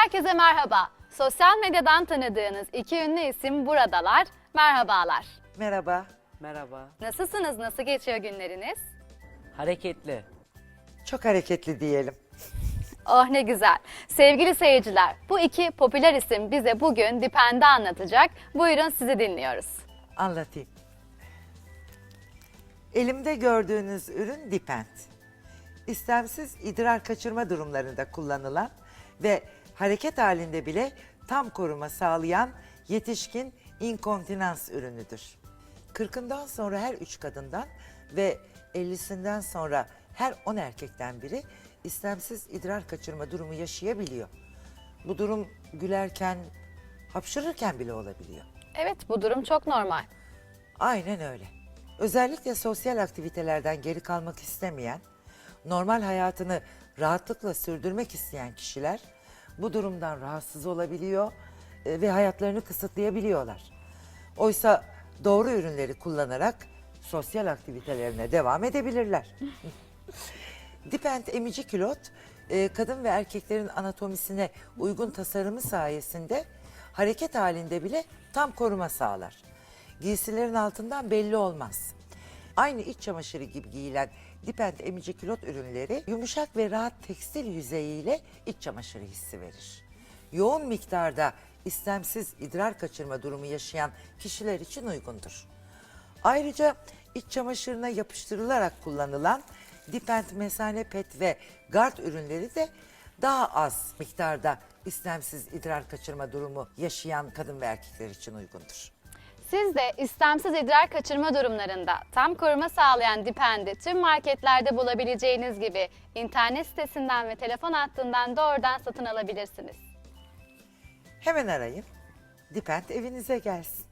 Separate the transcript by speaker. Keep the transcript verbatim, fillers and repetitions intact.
Speaker 1: Herkese merhaba. Sosyal medyadan tanıdığınız iki ünlü isim buradalar. Merhabalar.
Speaker 2: Merhaba.
Speaker 3: Merhaba.
Speaker 1: Nasılsınız? Nasıl geçiyor günleriniz?
Speaker 3: Hareketli.
Speaker 2: Çok hareketli diyelim.
Speaker 1: Oh ne güzel. Sevgili seyirciler, bu iki popüler isim bize bugün Dipend'i anlatacak. Buyurun sizi dinliyoruz.
Speaker 2: Anlatayım. Elimde gördüğünüz ürün Dipend. İstemsiz idrar kaçırma durumlarında kullanılan ve hareket halinde bile tam koruma sağlayan yetişkin inkontinans ürünüdür. kırkından sonra her üç kadından ve ellisinden sonra her on erkekten biri istemsiz idrar kaçırma durumu yaşayabiliyor. Bu durum gülerken, hapşırırken bile olabiliyor.
Speaker 1: Evet, bu durum çok normal.
Speaker 2: Aynen öyle. Özellikle sosyal aktivitelerden geri kalmak istemeyen, normal hayatını rahatlıkla sürdürmek isteyen kişiler bu durumdan rahatsız olabiliyor e, ve hayatlarını kısıtlayabiliyorlar. Oysa doğru ürünleri kullanarak sosyal aktivitelerine devam edebilirler. Dipend emici külot, e, kadın ve erkeklerin anatomisine uygun tasarımı sayesinde hareket halinde bile tam koruma sağlar. Giysilerin altından belli olmaz. Aynı iç çamaşırı gibi giyilen Dipend emici külot ürünleri yumuşak ve rahat tekstil yüzeyiyle iç çamaşırı hissi verir. Yoğun miktarda istemsiz idrar kaçırma durumu yaşayan kişiler için uygundur. Ayrıca iç çamaşırına yapıştırılarak kullanılan Dipend mesane pet ve gard ürünleri de daha az miktarda istemsiz idrar kaçırma durumu yaşayan kadın ve erkekler için uygundur.
Speaker 1: Siz de istemsiz idrar kaçırma durumlarında tam koruma sağlayan Dipend'i tüm marketlerde bulabileceğiniz gibi internet sitesinden ve telefon hattından doğrudan satın alabilirsiniz.
Speaker 2: Hemen arayın, Dipend evinize gelsin.